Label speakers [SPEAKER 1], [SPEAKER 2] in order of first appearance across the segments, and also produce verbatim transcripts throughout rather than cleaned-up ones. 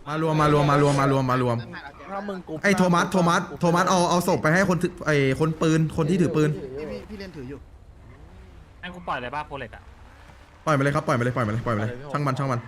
[SPEAKER 1] มารวมมารวมมารวมมารวมมารวม
[SPEAKER 2] ถ้ามึงกู
[SPEAKER 1] ไอ้โทมัสโทมัสโทมัสเอาเอาศพไปให้คนถือไอ้คนปืนคนที่ถือปืน
[SPEAKER 3] พี่พี่พี่เล่นถืออยู่
[SPEAKER 4] ให้กูปล่อยเลยป่ะโปรเล็กอะ
[SPEAKER 1] ปล่อยไปเลยครับปล่อยไปเลยปล่อยไปเลยปล่อยไปเลยช่างมันช่างมัน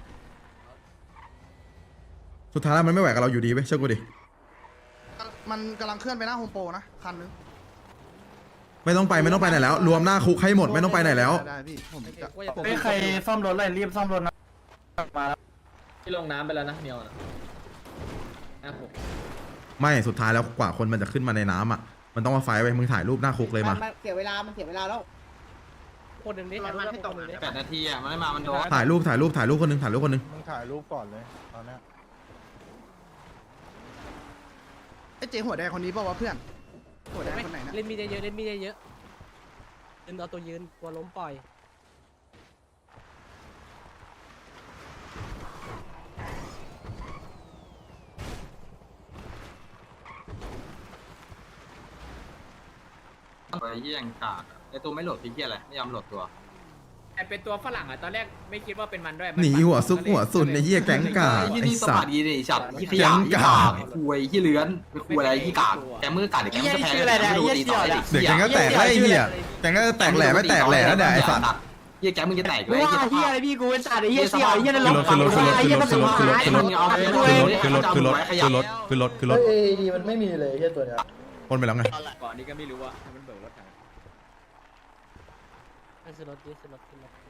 [SPEAKER 1] สุดท้ายแล้วมันไม่ไหวกับเราอยู่ดีเว้ยเชื่อกูดิ
[SPEAKER 3] มันกำลังเคลื่อนไปหน้าโฮมโปรนะคันนึง
[SPEAKER 1] ไม่ต้องไปไม่ต้องไปไหนแล้ว รวมหน้าคุกให้หมดไม่ต้องไปไหนแล้ว
[SPEAKER 3] ได้พี่ผมจะ
[SPEAKER 2] ไม่ใครซ่อมรถเลยรีบซ่อมรถนะมาแล้ว
[SPEAKER 5] ที่ลงน้ำไปแล้วนะเมียวนะนะผม
[SPEAKER 1] ไม่สุดท้ายแล้วกว่าคนมันจะขึ้นมาในน้ำอ่ะมันต้องมาไฟไว้มึงถ่ายรูปหน้าคุกเลยมา
[SPEAKER 6] เสียเวลา มันเสียเวลาแล้ว คนหนึ่งนี่ถ่ายรูปให้ตรงเลย
[SPEAKER 5] แปดนาทีอ่ะมันไม่มามันโดน
[SPEAKER 1] ถ่ายรูปถ่ายรูปถ่ายรูปคนหนึงถ่ายรูปคนหนึง
[SPEAKER 2] มึงถ่ายรูปก่อนเลยตอนนี้
[SPEAKER 3] ไอ้เจ๊หัวแดงคนนี้เปล่าวะเพื่อนหัวแดงคนไหนนะ
[SPEAKER 6] เล่นมีดเยอะเล่นมีดเยอะยืนเอาตัวยืนกลัวล้มปล่อย
[SPEAKER 5] ไปยี่ยังกากไอตัวไม่โหลดพี่เกียอะไรไม่ยอมโหลดตัวไอเป็นตัวฝรั่งอ่ะตอนแรกไม่คิดว่าเป็นมันด้วย
[SPEAKER 1] หนีหัวซุกหัวสุนในเหี้ยแก๊งกา
[SPEAKER 5] ไอ้
[SPEAKER 1] ไอ้
[SPEAKER 5] นี่ส
[SPEAKER 1] สั
[SPEAKER 5] ปั
[SPEAKER 1] ต
[SPEAKER 5] ด
[SPEAKER 1] ว์
[SPEAKER 5] ดีเลยฉับยี่ข
[SPEAKER 1] แก๊
[SPEAKER 5] ยะ
[SPEAKER 1] ง
[SPEAKER 5] ยี่
[SPEAKER 1] กา
[SPEAKER 5] กากคุยยี่เลื้อนไปคุยอะไรยี่กากแกมือกาเด็กแกมันจะแพ้แกไม่รู้ตีต่อเด็ก
[SPEAKER 1] เดี๋ยวแก๊งก็แตกแล้วไอ้เหี้ยแก๊งก็แตกแหล่ไม่แตกแหล่แล้วเนี่ยไอ้สัตว์
[SPEAKER 5] ยี่แกมึงจะแตกเลย
[SPEAKER 6] ว่าเฮียอะไรพี่กูเป็นจ่าไอ้เฮียเสี่ยวไอ้เฮียในรถ
[SPEAKER 1] ขึ้นรถขึ้นรถ
[SPEAKER 6] ไอ้เฮียมัน
[SPEAKER 1] ขึ้
[SPEAKER 6] สุ
[SPEAKER 1] น
[SPEAKER 6] ด
[SPEAKER 1] รถขึ้นรถ
[SPEAKER 6] ท้าย
[SPEAKER 1] ขึ้นรถขึ้นรถขึ้นรถขึ้นรถขึ้นรถขึ้นรถขึ้นรถขึ้นรถ
[SPEAKER 2] เอ้ยดีมันไม่มีเลยแค่ตัวเนี้ย
[SPEAKER 1] ปนไปแล้วไง
[SPEAKER 5] ก่อนนี้ก็ไม่รู้ว่ามันเบิกรถถัง
[SPEAKER 6] ขึ้นรถดิขึ้นรถขึ้นรถ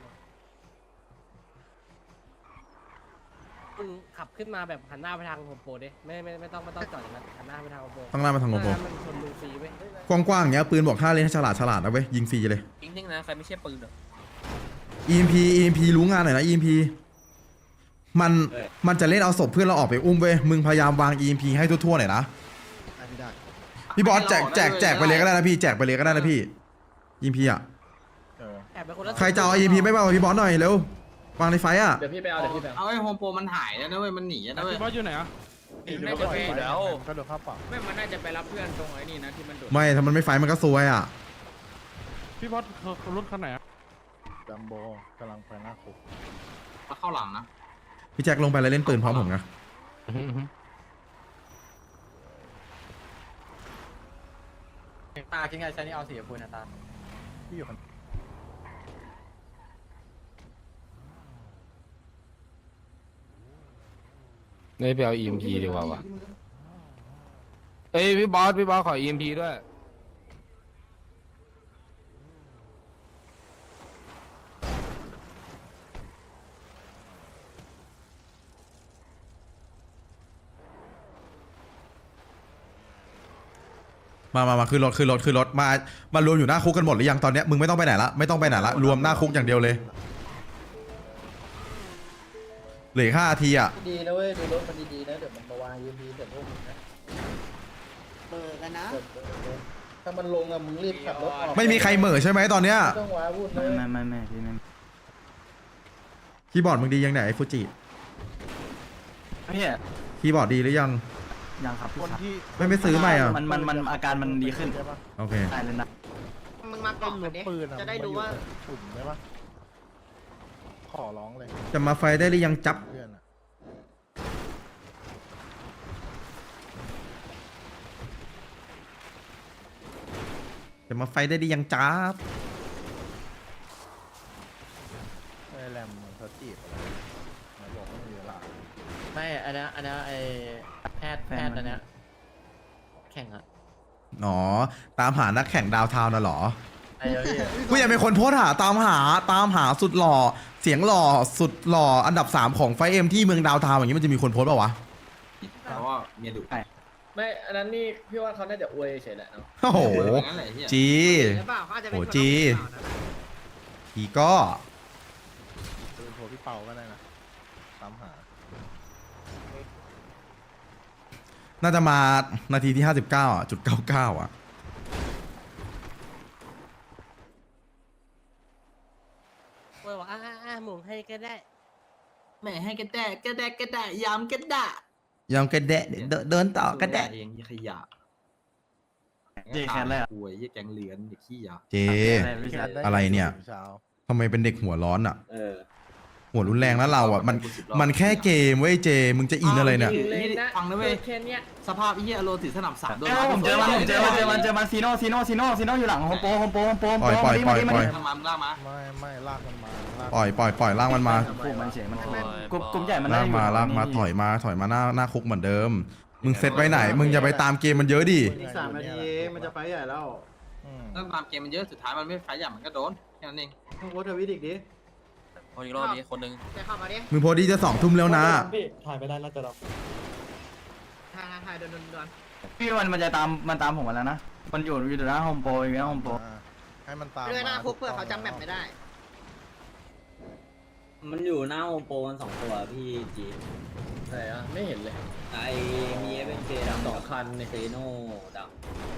[SPEAKER 6] มึงขับขึ้นมาแบบหันหน้าไปทางโฮมโปรดิไม่ไม่ไม่ต้องไม่ต้องจอดอย่างนั้นหันหน้าไปทางโฮมโปร
[SPEAKER 1] ต้องหน้ามาทางโงโป
[SPEAKER 6] มันชนมึงฟรีเว้ย
[SPEAKER 1] กว้างๆอย่างเงี้ยปืนบอกท่าเล่นให้ฉลาดฉลาดนะเว้ยยิงฟรีเลย
[SPEAKER 5] จริงๆนะใครไม่ใช่ปืนหรอ
[SPEAKER 1] อี เอ็ม พี อี เอ็ม พี รู้งานหน่อยนะ อี เอ็ม พี มันมันจะเล่นเอาศพเพื่อนเราออกไปอุ้มเว้ยมึงพยายามวาง อี เอ็ม พี ให้ทั่วๆหน่อยนะ
[SPEAKER 3] ได้พี่ได้
[SPEAKER 1] พี่บอสแจกแจกแจกไปเลยก็ได้นะพี่แจกไปเลยก็ได้นะพี่ อี เอ็ม พี อ่ะ
[SPEAKER 2] เออ
[SPEAKER 6] แอบไปคนละ
[SPEAKER 1] ใครจะเอา อี เอ็ม พี ไม่มาเอาพี่บอสหน่อยเร็ววางในไฟอ่ะ
[SPEAKER 5] เดี๋ยวพี่ไปเอาเดี๋ยวพี่ไปเอาไอ้โฮมโปรมันหายแล้วนะเว้ยมันหนีนะเว้ย
[SPEAKER 4] บอสอยู่ไหนอะ
[SPEAKER 5] น่าจะไปแล้ว
[SPEAKER 2] ก็โดนข้าปรับ
[SPEAKER 5] ไม่มันน่าจะไปรับเพื่อนตรงไอ้นี่นะที่มันโดด
[SPEAKER 1] ไม่ถ้ามันไม่ไฟมันก็ซวยอ่ะ
[SPEAKER 4] พี่บอสเขารถคันไหนอะ
[SPEAKER 2] จัมโบกำลังไปหน้าคุก
[SPEAKER 5] มาเข้าหลังนะ
[SPEAKER 1] พี่แจ็คลงไปแล้วเล่นปืนพร้อมผมนะ
[SPEAKER 5] ตาคิดไงใช้นี่เอาสีชมพูนะตา
[SPEAKER 2] ที่อยู่คน
[SPEAKER 7] ไม่ไปเอา อี เอ็ม พี ดีกว่าวะเอ้ยพี่บอสพี่บอสขอ อี เอ็ม พี ด้วย
[SPEAKER 1] มามามาขึ้นรถขึ้นรถขึ้นรถมามารวมอยู่หน้าคุกกันหมดหรือยังตอนเนี้ยมึงไม่ต้องไปไหนละไม่ต้องไปไหนละรวมหน้าคุกอย่างเดียวเลยเหลือห้านาทีอ่ะ
[SPEAKER 2] ดีนะเว้ยดูรถมันดีๆนะเดี๋ยวมันมาวางยูพีเสร็จพวกมึงนะ
[SPEAKER 6] เบิกกันนะ
[SPEAKER 2] ถ้ามันลงอะมึงรีบขับรถออก
[SPEAKER 1] ไม่มีใครเหม่อใช่ไหมตอนเนี้ย
[SPEAKER 2] ต้องว้าวุ่นเลย
[SPEAKER 8] ไม่ไม่ไม่พี่ไม่
[SPEAKER 1] คีย์บอร์ดมึงดียังไหนไอ้ฟูจิ
[SPEAKER 8] พี่
[SPEAKER 1] คีย์บอร์ดดีหรือยัง
[SPEAKER 8] ยังครับพี่
[SPEAKER 2] คน
[SPEAKER 8] ครับ
[SPEAKER 2] ที่
[SPEAKER 1] ไม่ไม่ซื้อใหม่อ่ะ
[SPEAKER 8] มันมันมันอาการมันดีขึ้น
[SPEAKER 2] ใช่ปะ
[SPEAKER 1] โอเค
[SPEAKER 8] ได้เลยนะ
[SPEAKER 6] มึงมา
[SPEAKER 2] ต้
[SPEAKER 6] ก่
[SPEAKER 2] อ
[SPEAKER 6] อง น
[SPEAKER 2] รถ
[SPEAKER 6] ดิ
[SPEAKER 2] ปืนอะ
[SPEAKER 6] จะได้ดูว่า
[SPEAKER 2] ฝุ่นใช่ปะขอร้องเลย
[SPEAKER 1] จะมาไฟได้หรือยังจับ
[SPEAKER 2] เพื่อนอะ
[SPEAKER 1] จะมาไฟได้หรือยังจับ
[SPEAKER 2] ไอ้แรมมันเขาจีบอะไรไหนบอกว่าไม่มีเวลา
[SPEAKER 5] ไม่อันนี้อันนี้ไอแพทย์แพทย์อันนี้แข่งอะ
[SPEAKER 1] อ๋อตามหานักแข่งดาวเทาวน์น่ะเหรอ
[SPEAKER 5] ไอ้เหี้ย
[SPEAKER 1] กูอยากเป็นคนโพสต์หาตามหาตามหาสุดหล่อเสียงหล่อสุดหล่ออันดับสามของไฟเอ็มที่เมืองดาวเทาวน์อย่างนี้มันจะมีคนโพสต์ป่าวะ
[SPEAKER 5] เพราะว่าเมียดุไม่อันนั้นนี่พี่ว่าเขาน่าจะอวยเฉยแหละเนาะ
[SPEAKER 1] โอ้โห
[SPEAKER 5] งั้นแหละเหี้ย
[SPEAKER 1] จี
[SPEAKER 6] หรือเปล่าเขาอาจจะเป็น
[SPEAKER 1] โอ้
[SPEAKER 6] คน
[SPEAKER 1] จี ทีก็
[SPEAKER 2] ปืนโทรพี่เปาก็ได้นะตามหา
[SPEAKER 1] น่าจะมานาทีที่ห้าสิบเก้าอ่ะจุดเก้าเก้าอ่ะ
[SPEAKER 6] เว้ยบอกอ่าอ่าหมุนให้ก็ได้
[SPEAKER 5] แม่ให้กระแดกกระแดกกระแดกยำกระดะ
[SPEAKER 1] ยังกระแดะเดินเดินต่อกระแดะ
[SPEAKER 5] เองยี่ขยะ
[SPEAKER 8] เจแคนเลยอ่ะ
[SPEAKER 5] อวยยี่แกงเหลือนยี่ขี้ยา
[SPEAKER 1] เจ
[SPEAKER 8] พี่ชาย
[SPEAKER 1] อะไรเนี่ย
[SPEAKER 2] เช้า
[SPEAKER 1] ทำไมเป็นเด็กหัวร้อนอ่ะ
[SPEAKER 5] เออ
[SPEAKER 1] หัวรุนแรงแล้วเราอ่ะมันมันแค่เกมเว้ยเจมึงจะอินอะไรเนี่ย
[SPEAKER 5] ฟังนะเว้ยสภาพไอ้เหี้ยอโลถือสนับสามด้วย
[SPEAKER 8] เอ้ยผมเจอมันผมเจอมันเจอมันเจอมันซีโน่ซีโน่ซีโน่ซีโน่อยู่หลังโฮมโปรโฮมโปรโฮมโปรโฮม
[SPEAKER 1] ปล่
[SPEAKER 8] โปร
[SPEAKER 1] อยปล่อย
[SPEAKER 8] มาดิ
[SPEAKER 1] ปล่อย
[SPEAKER 8] มาดิ
[SPEAKER 1] ปล่อย
[SPEAKER 5] ทำมามึงล่ามา
[SPEAKER 2] ไม่ไม่ลากมันมาลาก
[SPEAKER 1] ปล่อยปล่อยปล่อยล่างมันมา
[SPEAKER 8] ปลุกมันเฉยมันกลุ่มกลุ่มใหญ่มัน
[SPEAKER 1] ลากมาลากมาถอยมาถอยมาหน้าหน้าคุกเหมือนเดิม มึงเซตไว้ไหน มึงอย่าไปตามเกมมันเยอะดิ
[SPEAKER 2] อีกสามนาทีเองมันจะไฟใหญ่แล้ว
[SPEAKER 5] ถ้าตามเกมมันเยอะสุดท้ายมันไม่ไฟใหญ่มันก็โดนแค่นั้นเอง
[SPEAKER 2] มึงโพสทวิตอีกดิ
[SPEAKER 9] เอาอีกรอบนี้คนหนึง
[SPEAKER 3] ไปเข้ามาดิ
[SPEAKER 1] มึงโพสต์ดีจะสองทุ่มแล้วนะ
[SPEAKER 4] ถ่ายไปได้แล้วจะรับ
[SPEAKER 3] ถ่ายถ่ายเดินเดินเดิน
[SPEAKER 8] พี่มันมันจะตามมันตามผมมาแล้วนะมันอยู่อยู่หน้าโฮมโปรอยู่หน้าโฮมโปร
[SPEAKER 2] ให้มันตาม
[SPEAKER 3] เรื่องหน้าคุกเพื่อเขาจำแบบไม่ได้
[SPEAKER 9] มันอยู่หน้าโอโปกันสองตัวพี่จีน
[SPEAKER 6] ไหนอ่ะไม่เห็นเลย
[SPEAKER 9] ไอมีเอเวนเจดำสองคันในเซโน่ดำ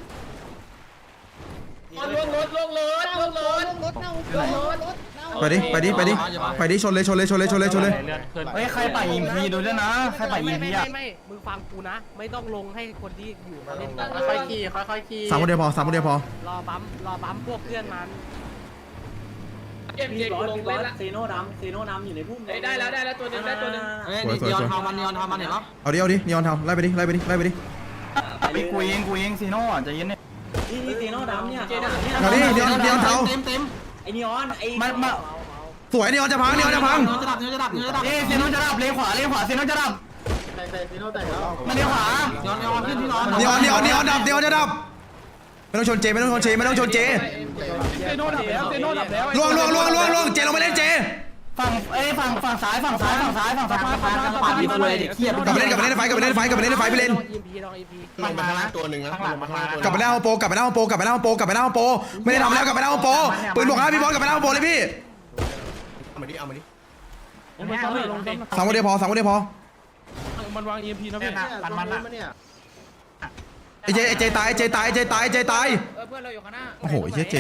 [SPEAKER 6] ลงรถลงรถลงรถ
[SPEAKER 3] รถเน่ารถรถเน่า
[SPEAKER 1] ไปดิไปดิไปดิไปดิชนเลยชนเลยชนเลยชนเลยชนเลย
[SPEAKER 4] เลื่อนขึ้น
[SPEAKER 8] เฮ้ยใครป่ายิมพีดูด้วยนะใครป่ายิ
[SPEAKER 6] ไม่
[SPEAKER 8] มพี
[SPEAKER 6] ไม่
[SPEAKER 8] อ่ะ
[SPEAKER 6] ไม่ไม่มึงฟังกูนะ ไม่ต้องลงให้คนที่อยู่มาเล่น
[SPEAKER 2] ค่อยๆขี่ค่อยๆขี่
[SPEAKER 1] สามคนเดียวพอสามคนเดียวพอ
[SPEAKER 6] รอบัมรอบัมพวกเพื่อนมัน
[SPEAKER 9] เอ็มเจลงเล่นละเซโน่ดำเซโน่ดำอยู่ในพุ่มได้แล้วได้แล้วตัวนึงได้ตัวนึง
[SPEAKER 5] เฮ้ยนีออนทำมันนีออนทำมันเห็นปะ
[SPEAKER 1] เอาดิเอาดินีออนทำไล่ไปดิไล่ไปดิไล่ไปดิ
[SPEAKER 8] ไปกูเองกูเองซีโน่อ่ะใจเย็นเนี่ย
[SPEAKER 9] นี่นี่เซโน่ดำเนี่ย
[SPEAKER 1] เอาดินีออนนีออนเทา
[SPEAKER 5] เต็มเต็ม
[SPEAKER 9] ไอนีออนไอ
[SPEAKER 8] มันมา
[SPEAKER 1] สวยนีออนจะพังนีออนจะพัง
[SPEAKER 5] เนื้อจะดับเนื้อจะดับเนื้อจะดับ
[SPEAKER 8] เอ้ซีโน่จะดับเลนขวาเลนขวาซีโน่จะดับ
[SPEAKER 2] แต่แต่ซีโน่แต่งแล้ว
[SPEAKER 8] มันเลนขวา
[SPEAKER 5] นีออนนีออนขึ้นที่นอน
[SPEAKER 1] นีออนนีออนนีออนดับนีออนจะดับไม่ต้องชนเจไม่ต้องชนเจไม่ต้องชนเจ
[SPEAKER 2] เซโน่ดับแล้วเซโน่ดับแล้ว
[SPEAKER 1] ล่วงล่วงล่วงล่วงล่วงเจลงไปเล่นเจ
[SPEAKER 8] ฝั่งเอ้ยฝั่งฝั่งซ้ายฝั่งซ้ายฝั่งซ้ายฝั่งซ้ายฝั่งซ้ายฝั่ง
[SPEAKER 5] ปา
[SPEAKER 8] ซ้า
[SPEAKER 5] ด
[SPEAKER 8] ย
[SPEAKER 5] ดีตัวเลยเด็กเขี้ย
[SPEAKER 1] กลับไปเล่นกลับไปเล่นในไฟกลับไปเล่นในไฟกลับไปเล่นในไฟไปเล่น
[SPEAKER 6] ลองอีพีลองอีพี
[SPEAKER 2] ลงมาข้างล่างตัวหนึ่งนะข้างหลังมาข้างล่างตัว
[SPEAKER 1] กลับไปหน้าโฮมโปรกลับไปหน้าโฮมโปรกลับไปหน้าโฮมโปรกลับไปหน้าโฮมโปรไม่ได้ทำแล้วกลับไปหน้าโฮมโปรปืนบอกนะพี่บอลกลับไปหน้าโฮมโปรเลยพี่
[SPEAKER 2] เอามาดิเอามาดิ
[SPEAKER 4] ลงไปซ้ำเลยลงซ้ำ
[SPEAKER 1] สามคนเดียวพอสามคนเดียวพอ
[SPEAKER 4] มันวาง อี เอ็ม พี นะพี่
[SPEAKER 2] ปันมันอ่ะเนี่ย
[SPEAKER 1] ไอเจไอเจตายไอเจตายไอเจตายไอเจตาย
[SPEAKER 5] เออเพื่อนเราอยู่ข้างหน้า
[SPEAKER 1] โอ้โหไอเจเจ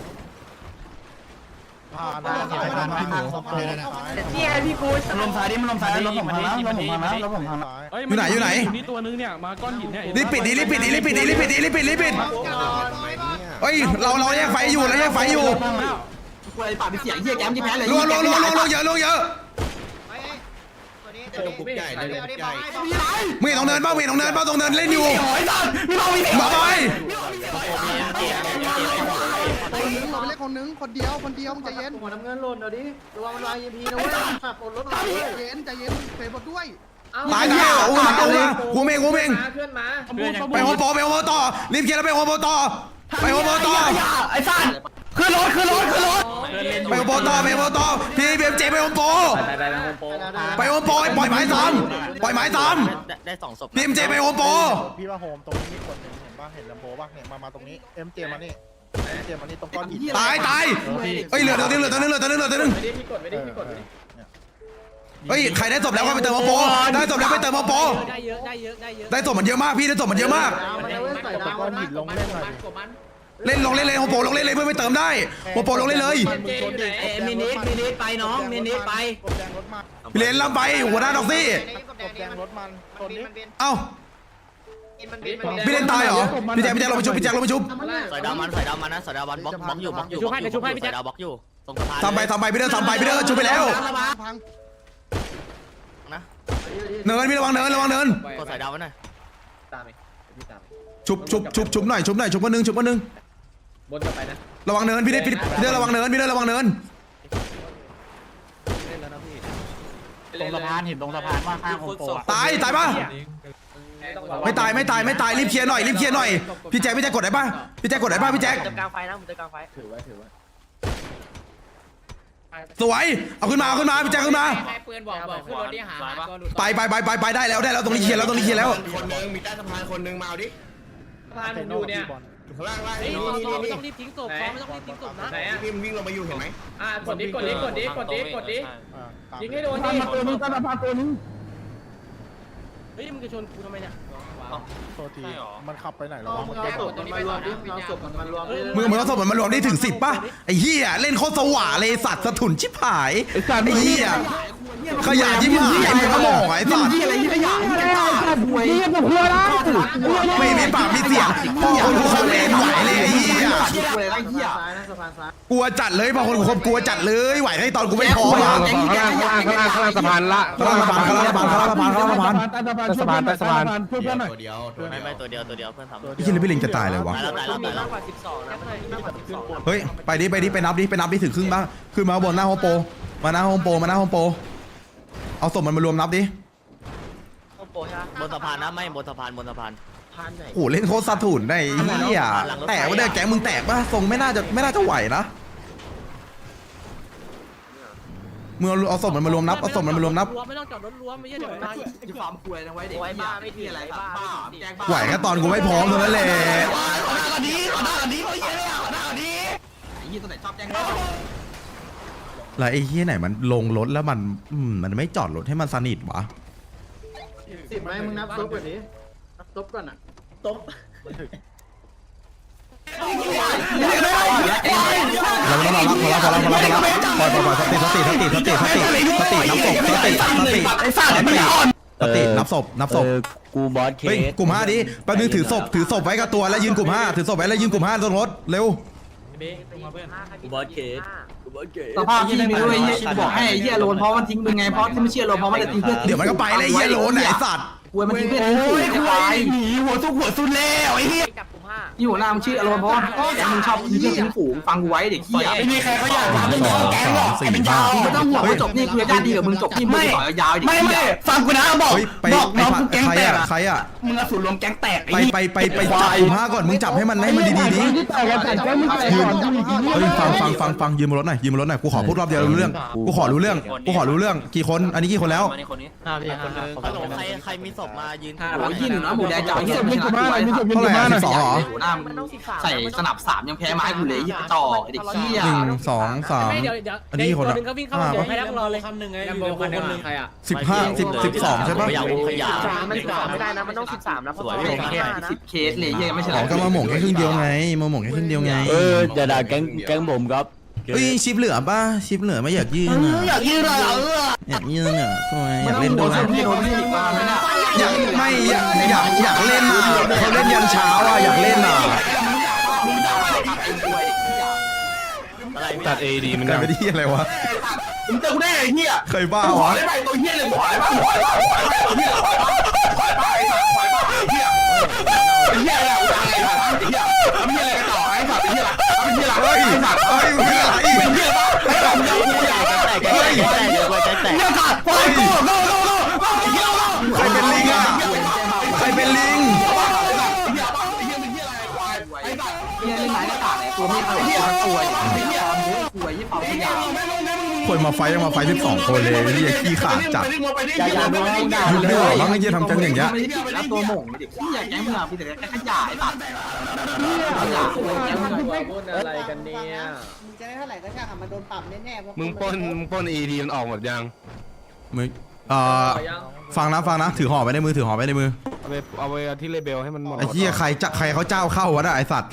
[SPEAKER 2] อ่าได้ได้ได้พี่หมูได้ได้
[SPEAKER 6] นี่ไงพี่กู
[SPEAKER 8] มันลมซ้ายดิมันลมซ้ายรถผมพังแล้วรถผมพังแล้วรถผมพังแล้ว
[SPEAKER 4] เอ้ยมันอยู่นี่ตัวนึงเนี่ยมาก้อนหินเนี่ย
[SPEAKER 1] รีบปิดดิรีบปิดดิรีบปิดดิรีบปิดดิรีบปิดรีบปิดเฮ้ยเราเราแยกไฟอยู่เราแยกไฟอยู่
[SPEAKER 5] กูไอ้ปากมีเสียงเหี้ยแกมที่แพ้เลย
[SPEAKER 1] ลวงลวงลวงลวงลวงเยอะลวงเยอะ
[SPEAKER 3] ตัวนี้ตัวนี้
[SPEAKER 2] ปุ๊บใหญ่เลย
[SPEAKER 3] เอาดิ
[SPEAKER 2] ใหญ่
[SPEAKER 3] บอกให้บอกให้
[SPEAKER 1] มึงเห็นตรงเนินป่ะมึงเห็นตรงเนินป่ะตรงเนินเล่นอยู่
[SPEAKER 8] โอ้ยสัตว์พี่บอกมีเสียง
[SPEAKER 1] มาไป
[SPEAKER 3] เราไปเล่นคนนึงคนเดียวคนเดียวมึงใจเย็น
[SPEAKER 2] หัวน้ำเงินหล่นเดี๋ยวดิระวังมันวาง อี เอ็ม พี นะเว้ยขับรถรถ
[SPEAKER 3] ใจเย็นใจเย็นเฟรมบดด้วย
[SPEAKER 1] ตายตายอู้มาอู้มากูเมงกูเมง
[SPEAKER 6] เพื่อนมา
[SPEAKER 1] ไปโฮมโปรไปโฮมโปรต่อรีบเคลียร์แล้วไปโฮมโปรต่อไปโฮมโปรต่อ
[SPEAKER 8] ไอ้สัตว์ขึ้นรถขึ้นรถขึ้นรถ
[SPEAKER 1] ไปโฮมโปรต่อไปโฮมโปรต่อพี่เบียมเจไปโฮมโปร
[SPEAKER 9] ไปไปไปโฮมโป
[SPEAKER 1] ไปโฮมโปรปล่อยไม้ซ้ำปล่อยไม้ซ้
[SPEAKER 9] ได้สองศพ
[SPEAKER 1] ำพี่เอ็มเจไปโฮมโปร
[SPEAKER 2] พี่ว่าโฮมตรงนี้มีคนหนึ่งเห็นป่ะเห็นลำโพป่ะเนี่ยมามาตรงนี้เอ็มเจมานี่เอ็มเจมานี่ตรงก้อนหิน
[SPEAKER 1] ตายตายเฮ้ยเหลือตัวนึงเหลือตัวนึงเหลือตัวนึงเหลือตัวนึง
[SPEAKER 2] ไม่ได้พี่กดไม่ได้พี่กด
[SPEAKER 1] เฮ้ยใครได้ศพแล้วก็ไปเติมโฮมโปรได้ศพแล้วไปเติมโฮมโปร
[SPEAKER 6] ได้เยอะได้เยอะได้เยอะ
[SPEAKER 1] ได้ศพมันเยอะมากพี่ได้ศพมันเยอะมาก
[SPEAKER 2] มันเอาไว้ใส่ดาวก้อนหินลงเล่นหน่อย
[SPEAKER 1] เล่นลงเล่นเลยโฮมโปรลงเล่นเลยเพื่อไปเติมได้โฮมโปรลงเล่นเลย
[SPEAKER 9] เอ้มินิมินิไปน้องมินิไป
[SPEAKER 2] กบแดงรถมา
[SPEAKER 1] พี่เลนลำไปหัวหน้าด็อกซี่
[SPEAKER 3] กบแด
[SPEAKER 2] ก
[SPEAKER 3] ง
[SPEAKER 2] บแด
[SPEAKER 3] นี่
[SPEAKER 2] ง
[SPEAKER 3] มัน
[SPEAKER 2] รถมัน
[SPEAKER 3] มัน
[SPEAKER 2] ตัว
[SPEAKER 3] บิน
[SPEAKER 2] นี้
[SPEAKER 3] มันบิน
[SPEAKER 1] เอ้า
[SPEAKER 3] มันบินมันบิน
[SPEAKER 1] พี่เลนตายเหรอพี่แจ็คพี่แจ็คลงไปชุบพี่แจ็คลงไปชุบ
[SPEAKER 9] สายดาวมันสายดาวมันนะสายดาวมันบล็อกบล็อกอยู่บล็อกอยู่สายดาวบล็อกอยู่ตรงสะพาน
[SPEAKER 1] ทำไปทำไปพี่เด้อทำไปพี่เด้อชุบไปแล้ว
[SPEAKER 3] พัง
[SPEAKER 9] นะ
[SPEAKER 1] เนินพี่ระวังเนินระวังเนิน
[SPEAKER 9] กดสายดาวไว้หน่อย
[SPEAKER 6] ตามไปพี่ตาม
[SPEAKER 1] ชุบชุบชุบชุบหน่อยชุบหน่อยชุบคนนึงชุบคนนึง
[SPEAKER 6] บนจะไปนะ
[SPEAKER 1] ระวังเนินพี่เด้พี่พี่เด้อระวังเนินพี่เด้อระวังเนิน
[SPEAKER 4] ตรงสะพานเห็นตรงสะพานว่าข้างโฮมโปร
[SPEAKER 1] ตายตายปะไม่ตายไม่ตายไม่ตายรีบเคลียร์หน่อยรีบเคลียร์หน่อยพี่แจ็คพี่แจ็คกดได้ปะพี่แจ็คกดได้ปะพี่แจ็ค
[SPEAKER 6] จะกลางไฟนะผมจะกลางไฟ
[SPEAKER 2] ถือไว้ถือไว้
[SPEAKER 1] สวยเอาขึ้นมาเอาขึ้นมาพี่แจ็คขึ้นมา
[SPEAKER 5] ใครปืนบอกบอกขึ้นรถดิหาตัวหลุด
[SPEAKER 1] ไปไปไปไปไปได้แล้วได้แล้วตรงนี้เคลียร์แล้วตรงนี้เคลียร์แล้ว
[SPEAKER 2] คนนึงมีใต้สะพานคนนึงมาเอาดิ
[SPEAKER 6] พานผมอยู่เนี่ย
[SPEAKER 2] ข้างล่างล่าง
[SPEAKER 6] เฮ้ย
[SPEAKER 2] นี่
[SPEAKER 6] ซอ
[SPEAKER 2] นี่
[SPEAKER 6] ไม่
[SPEAKER 2] นี่
[SPEAKER 6] ต้องรีบทิ้งศพซอไม่ต้องรีบทิ้งศพนะ
[SPEAKER 5] ไหนอ่ะ
[SPEAKER 2] พี่มันวิ่งลงมาอยู่เห็นไหม
[SPEAKER 5] อ่ะกดดิกดดิกดดิกดดิกดดิ ยิงให้โดนดิ
[SPEAKER 8] ตัวนึงตัวนึงตัวนึง
[SPEAKER 6] เฮ้ยมึงจะชนกูทำไมเนี่ย
[SPEAKER 2] โทษทีมันขับไปไหนแล้ววะ
[SPEAKER 5] มึงเอาศพมันมารวมดิมึงเอาศพมันมารวมดิ
[SPEAKER 1] มึงมึงเอาศพมันมารวมได้ถึงสิบป่ะไอ้เหี้ยเล่นโคตรสว่างเลยสัตว์สะถุนชิบหายไอ้เหี้ยขยะชิบหายมึงก็มองไอ้สัตว์
[SPEAKER 8] อะไรยี่ขยะยี่ขยะหวยนี่ผมหัวแล้ว
[SPEAKER 1] ไม่มีปากมีเสียงพ่อคนดูคอมเมนต์ไหวเลยไอ้เหี้ย
[SPEAKER 5] อะไรไอ้เหี้ย
[SPEAKER 2] ซ้ายนะสะ
[SPEAKER 1] กลัวจัดเลยพอคนคบกลัวจัดเลยไหวให้ตอนกูไม่พร้อม
[SPEAKER 7] ข้าง
[SPEAKER 1] อะ
[SPEAKER 7] ล่างข้างล่างข้างล่างข้างล่างข้างล่างสะพานละ
[SPEAKER 1] ข้างล่างสะพานข้างล่างสะพานข้างล่างสะพานข้างล่างสะพาน
[SPEAKER 7] สะพานใต้สะพาน
[SPEAKER 2] เพื่อนเพื่อนหน่อย
[SPEAKER 5] ตัวเดียวตัว
[SPEAKER 9] ไม่
[SPEAKER 5] เดียว
[SPEAKER 9] ไม่ตัวเดียวตัวเดียวเพื่อนทำ
[SPEAKER 1] ไอ้เหี้ยเลยพี่ลิงจะตายเลยวะ
[SPEAKER 9] ตายแล้วตายแล้วตายแล้ว
[SPEAKER 1] เฮ้ยไปดิไปดิไปนับดิไปนับดิถึงครึ่งบ้างขึ้นมาข้างบนหน้าโฮมโปรมาหน้าโฮมโปรมาหน้าโฮมโปรเอาศพมันมารวมนับดิ
[SPEAKER 9] บนสะพานนะไม่บนสะพานบนสะพาน
[SPEAKER 1] โอ้โหเล่นโคตรซาถุนได้ไอ้เหี้ยแตกวะเนี่ยแก๊งมึงแตกปะทรงไม่น่าจะไม่น่าจะไหวนะมึงเอาเอาศพมันมารวมนับเอาศพมันมารวมนับ
[SPEAKER 6] ไม่ต้องจอดรถรวมไม่ใช่เดี๋ยวมันมาอีก
[SPEAKER 5] ที่ความกลัวนะไว้เด็กบ้าไม่ทีอะไรบ้าแจ้งบ้า
[SPEAKER 1] ไหวแค่ตอนกูไม่พร้อมเท่านั้นแหละ
[SPEAKER 5] ยี่ตัวไหนชอบแจ้งบ้า
[SPEAKER 1] แล้วไอ้เหี้ยไหนมันลงรถแล้วมันอืมมันไม่จอดรถให้มันสนิทวะ
[SPEAKER 3] สิบไหมมึงนับซบก่อนดินับซบก่อนอ่ะ
[SPEAKER 9] ตบ
[SPEAKER 1] เราไม่ต้องรอรับพอแล้วพอแล้วพอแล้วพอแล้วปล่อยปล่อยปล่อยสติสติสติสติสติสตินับศพสติสติสติสตินับศพนับศพ
[SPEAKER 8] กูบอสเค
[SPEAKER 1] เฮ้ยกลุ่มห้าดิแป๊บนึงถือศพถือศพไว้กับตัวแล้วยืนกลุ่มห้าถือศพไว้แล้วยืนกลุ่มห้าตรงรถเร็ว
[SPEAKER 9] กูบอสเคสกูบอสเคส
[SPEAKER 5] สภาพที่มีด้วยเฮียบอกให้เฮียโลนเพราะมันทิ้งมึงไงเพราะที่ไม่เชื่อโลนเพราะมันจะทิ้งเพื่อน
[SPEAKER 1] เดี๋ยวมันก็ไปเลยไอ้เหี้ยโลนไหนสัตว์
[SPEAKER 5] กลัวมันทิ้งเพื่อนโอ้ยควายหนีหัวซุกหัวซุนแล้วไอ้เฮีย
[SPEAKER 6] จับกลุ่มห้า
[SPEAKER 5] ที่หัวหน้ามึงชื่ออารมณ์เพราะว่าแกมึงชอบทิ้งเพื่อนทิ้งฝูงฟังกูไว้เด็กเฮียไม่มีใครเขาอยาก
[SPEAKER 1] สองสองสี่ห้า
[SPEAKER 5] มึงไม่ต้องห่วงจบนี่คือญาติดีกับมึงจบนี่มึงต่อยาวๆดิไม่ไม่ฟังกูนะบอก
[SPEAKER 1] เฮ้ยไปไปใครอะใครอะ
[SPEAKER 5] มึงอสูรรวมแก๊งแตก
[SPEAKER 1] ไปไปไปไปจับกลุ่มห้าก่อนมึงจับให้มันให้มันดีๆดิยืนเฮ้ยฟังฟังฟังฟังยืนบนรถหน่อยยืนบนรถหน่อยกูขอพูดรอบเดียวรู้เรื่องกูขอรู้เรื่องกูขอรู้เรื่องกี่คนอันนี้กี่คนแล้ว
[SPEAKER 9] ห้าพี่ห้าฮัลโหลใครใครมีศพมายืน
[SPEAKER 5] โอ้ยยี่หนึ่งนะหมูแดงจ่ายเฮียไม่ชนะ
[SPEAKER 1] เท่าไหร่อะสิบสองเหรอ
[SPEAKER 5] หัวหน้ามึงใส่สนับสามยังแพ้ไม้กูเลยยี่ต่อเด็กเฮีย
[SPEAKER 1] หนึ่งสองสาม
[SPEAKER 6] ไม่เดี๋ยวเดี๋ยว
[SPEAKER 1] อันนี้คน
[SPEAKER 6] ตัว
[SPEAKER 1] อะ
[SPEAKER 6] หนึงก็วิ่งเข้ามาเดี๋ยวให้นั่งรอเลย
[SPEAKER 9] คำหนึ่งไงอยู่คนหนึ่งใครอ่ะ
[SPEAKER 1] สิบห้าสิบสิบสองใช่ปะ
[SPEAKER 9] อยากขยะ
[SPEAKER 6] มันสิบสามไม่ได้นะมันต้องสิบสามนะเพราะ
[SPEAKER 9] สวย
[SPEAKER 6] ว่า
[SPEAKER 9] พี่
[SPEAKER 6] แค่นะ
[SPEAKER 5] สิบเคสเลยเฮียไม่ใช่
[SPEAKER 1] อ๋อก็มาหม่งแค่ครึ่งเดียวไงมาหม่งแค่ครึ่งเดียวไง
[SPEAKER 8] เออจะด่าแก๊งแก๊งผมครับ
[SPEAKER 1] เฮ้ยชิปเหลือป่ะชิปเหลือไม่อยากยืนอ่ะ
[SPEAKER 5] อยากยืนเลยเออ
[SPEAKER 1] อยากยืนอ่ะทำไมอยากเล่นด้วย
[SPEAKER 5] พี่โดนพี่มาไม่น่า
[SPEAKER 1] อยากไม่อยากอยากอยากเล่นอ่ะเขาเล่นยันเช้าอ่ะอยากเล่นอ่ะ
[SPEAKER 9] อะไรพี่
[SPEAKER 7] ตัดเอดีมัน
[SPEAKER 1] กลา
[SPEAKER 7] ยั
[SPEAKER 1] ย
[SPEAKER 7] ง
[SPEAKER 1] เป็นที่อะไรวะ
[SPEAKER 5] มึงเจอกูได้ไอ้เหี้ย
[SPEAKER 1] เคยบ้าวะ
[SPEAKER 5] ได้ไปตัวเหี้ยเลยหอยบ้าหอยบ้าหอยบ้าเหี้ยหอยบ้าหอยบ้าหอยบ้าเหี้ยไอ้เหี้ยอะไรวะไอ้เหี้ยทำเหี้ยอะไรกันต่อไอ้สัตว์ไอ้เหี้ยทำเหี้ยอะไร
[SPEAKER 1] เฮ้ย
[SPEAKER 5] ไอ้สัตว์
[SPEAKER 1] เฮ้ยมึงอะไร
[SPEAKER 5] เป็นเหี้ยบ้าไอ้สัตว์มึงเอากูอยาก
[SPEAKER 9] แตกแตกแตกเดี๋ยวไปแตกแตก
[SPEAKER 5] เหี้ยสัตว์ปล่อยกูโง่โง่โง่โง่ไอ้เหี้ยโง่
[SPEAKER 1] ใครเป็นลิงอ่ะใครเป็นลิง
[SPEAKER 5] เหี้ยเล่นไหนก็ตาเลยตัวไม่เอาเหี้ยป่วยไอ้เหี้ยป่วยยี่เป่าขยะ
[SPEAKER 1] คนมาไฟยังมาไฟสิบสองคนเลยนี่ขี้ขาดจัด
[SPEAKER 5] อย่าอย่าโดนด่า
[SPEAKER 1] ยุบไม่ออกแล้วไอ้เหี้ยทำกันอย่างเงี้ย
[SPEAKER 5] แล้วตัวหม่งเด็กที่อยากแก๊งมึงอ่ะพี่แต่แค่ขยะไอ้สัตว์ขยะแก๊งมึง
[SPEAKER 9] พูดอะไรกันเนี่ย
[SPEAKER 3] มึงจะได้เท่าไหร่ก็ช่างอะมันโดนปรับแน่ๆเพราะ
[SPEAKER 7] มึงปล้นมึงปล้นเอดีมันออกหมดยัง
[SPEAKER 1] มึงเอ่อฟังนะฟังนะถือห่อไว้ในมือถือห่อไว้ในมือ
[SPEAKER 7] เอาไปเอาไปที่เลเบลให้มันหมด
[SPEAKER 1] ไอ้เหี้ยใครจะใครเขาเจ้าเข้าวะน่ะไอ้สัตว์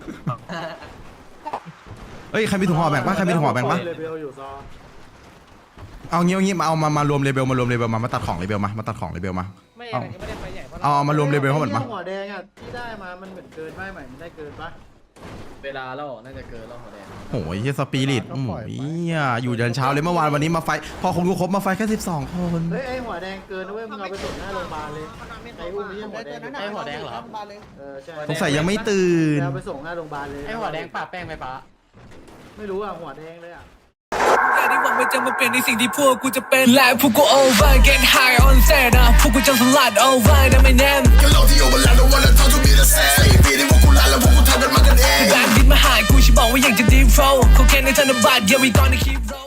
[SPEAKER 1] เอ้ยใครมีถุงห่อแบ่งปะใครมีถุงห่อแบ่งปะเอางี้เอางี้มาเอามามารวมเลเบลมารวมเลเบลมามาตัดของเลเบลมามาตัดของเลเบลมา
[SPEAKER 6] ไม่ยังไม่ได้ไปใหญ่เพราะ
[SPEAKER 1] เอาเอามารวมเลเบลเขาหมดมา
[SPEAKER 3] หัวแดงอ่ะที่ได้มามันเหมือนเกินไปไหมมันได้เกินปะ
[SPEAKER 9] เวลาแล้วน่าจะเกินแล้วหัวแดง
[SPEAKER 1] โอ้ยเฮียสปิริตโอ้ยเหี้ยอยู่ยันเช้าเลยเมื่อวานวันนี้มาไฟพอคงดูครบมาไฟแค่สิบสองคน
[SPEAKER 3] เฮ้ยไอหัวแดงเกินนะเว้ยมึงเอาไปส่งหน้าโรงพยาบาลเลยไออุ้มไม่ใช่หัวแดง
[SPEAKER 9] ไอ้หัวแดงเหรอ
[SPEAKER 3] เออใช่
[SPEAKER 1] สงสัยยังไม่ตื่น
[SPEAKER 3] เอาไปส่งหน้าโรงพยาบาลเลย
[SPEAKER 6] ไอ้หัวแดงปะแป้งไปปะ
[SPEAKER 3] ไม่รู้อ่ะหัวแดงเลยอ่ะ
[SPEAKER 10] การที่หวังว่าจะมาเปลี่ยนในสิ่งที่พวกกูจะเป็นและพวกกู over get high on set นะพวกกูจะสลัด over นะไม่แน่ก็โลกที่ over แล้ว don't wanna talk to me the same สี่ปีที่พวกกูลาแล้วพวกกูทำกันมากันเองแบงค์ดินมาหากูฉันบอกว่าอยากจะ deep flow เขาแค่ในธนบัตร yeah we gonna keep roll